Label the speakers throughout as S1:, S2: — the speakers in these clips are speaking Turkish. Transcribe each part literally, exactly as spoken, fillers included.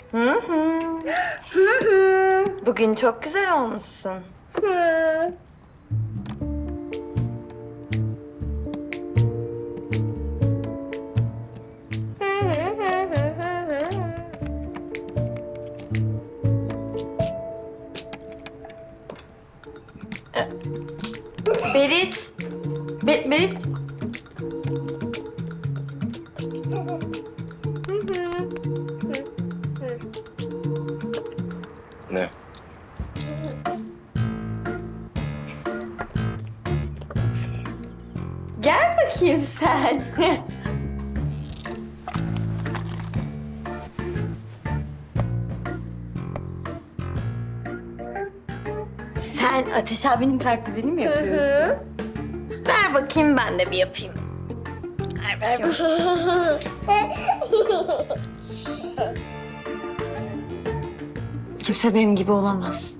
S1: Hı hı.
S2: Hı hı.
S1: Bugün çok güzel olmuşsun.
S2: Hı.
S1: Berit. Be Berit.
S3: Ne?
S1: Gel bakayım sen. Sen Ateş abinin taklidini mi yapıyorsun? Ver bakayım ben de bir yapayım. Ver, ver bakayım. Kimse benim gibi olamaz.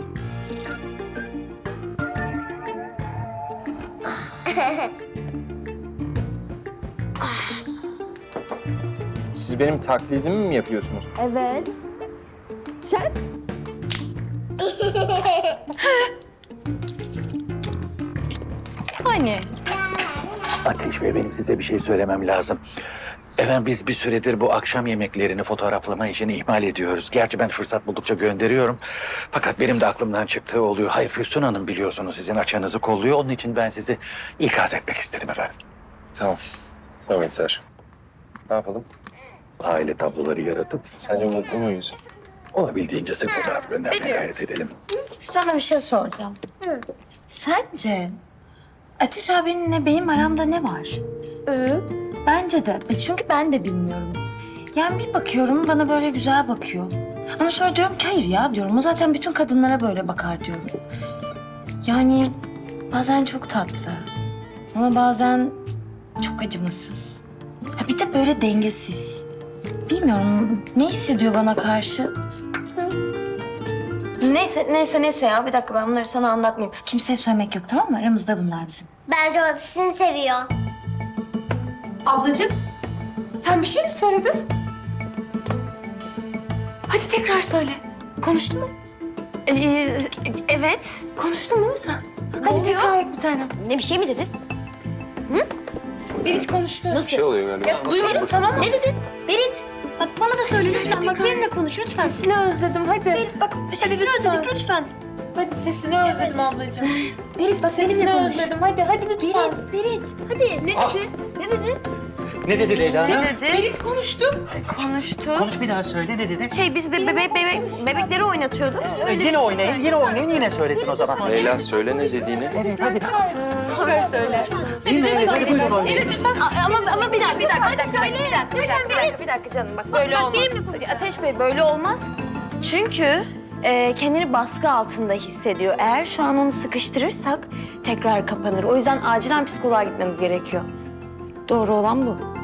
S3: Siz benim taklidimi mi yapıyorsunuz?
S1: Evet. Sen? Hani?
S4: Ateş Bey, benim size bir şey söylemem lazım. Efendim biz bir süredir bu akşam yemeklerini fotoğraflama işini ihmal ediyoruz. Gerçi ben fırsat buldukça gönderiyorum. Fakat benim de aklımdan çıktığı oluyor. Hayır, Füsun Hanım biliyorsunuz sizin açığınızı kolluyor. Onun için ben sizi ikaz etmek istedim efendim.
S3: Tamam. Tamam yeter. Ne yapalım?
S4: Aile tabloları yaratıp
S3: Sence mutlu muyuz?
S4: olabildiğince sık fotoğraf göndermeye gayret edelim.
S1: Sana bir şey soracağım. Sence Ateş abinle benim aramda ne var?
S2: Hı.
S1: Bence de. E, Çünkü ben de bilmiyorum. Yani bir bakıyorum bana böyle güzel bakıyor. Ama sonra diyorum ki hayır ya diyorum. O zaten bütün kadınlara böyle bakar diyorum. Yani bazen çok tatlı. Ama bazen çok acımasız. Ha, bir de böyle dengesiz. Bilmiyorum ne hissediyor bana karşı. Neyse, neyse, neyse ya. Bir dakika ben bunları sana anlatmayayım. Kimseye söylemek yok tamam mı? Aramızda bunlar bizim.
S2: Bence o seni seviyor.
S5: Ablacığım, sen bir şey mi söyledin? Hadi tekrar söyle. Konuştun mu?
S1: Ee, evet.
S5: Konuştun değil mi sen? Hadi tekrar et bir tanem.
S6: Ne bir şey mi dedin?
S5: Berit konuştu.
S3: Bir şey oluyor galiba.
S5: Duymadım tamam mı?
S6: Ne dedin? Berit. Bak bana da söyle lütfen. Bak benimle konuş lütfen.
S5: Sesini özledim hadi.
S6: Berit bak sesini
S5: lütfen.
S6: özledik lütfen.
S5: Hadi sesini özledim ablacığım.
S6: Berit bak benimle
S5: Sesini
S6: konuş.
S5: özledim hadi hadi lütfen.
S6: Berit, Berit. Hadi. Ne
S4: Ah!
S6: dedi? Ne dedi?
S4: Ne dedi Leyla Hanım?
S1: dedi?
S5: Berit konuştu.
S1: Konuştu.
S4: Konuş bir daha söyle, ne dedi?
S1: Şey biz be bebe bebe bebekleri oynatıyorduk.
S4: yine oynayın, yine oynayın, yine söylesin o zaman.
S3: Leyla söyle ne dediğini.
S4: Evet, hadi.
S5: Haber söylersin.
S4: Yine evet, hadi buyurun oynayın.
S1: Ama ama bir dakika bir dakika bir dakika. Bir dakika bir dakika, bir dakika, bir dakika canım bak böyle olmaz. Ateş Bey böyle olmaz. Çünkü e, kendini baskı altında hissediyor. Eğer şu an onu sıkıştırırsak tekrar kapanır. O yüzden acilen psikoloğa gitmemiz gerekiyor. Doğru olan bu.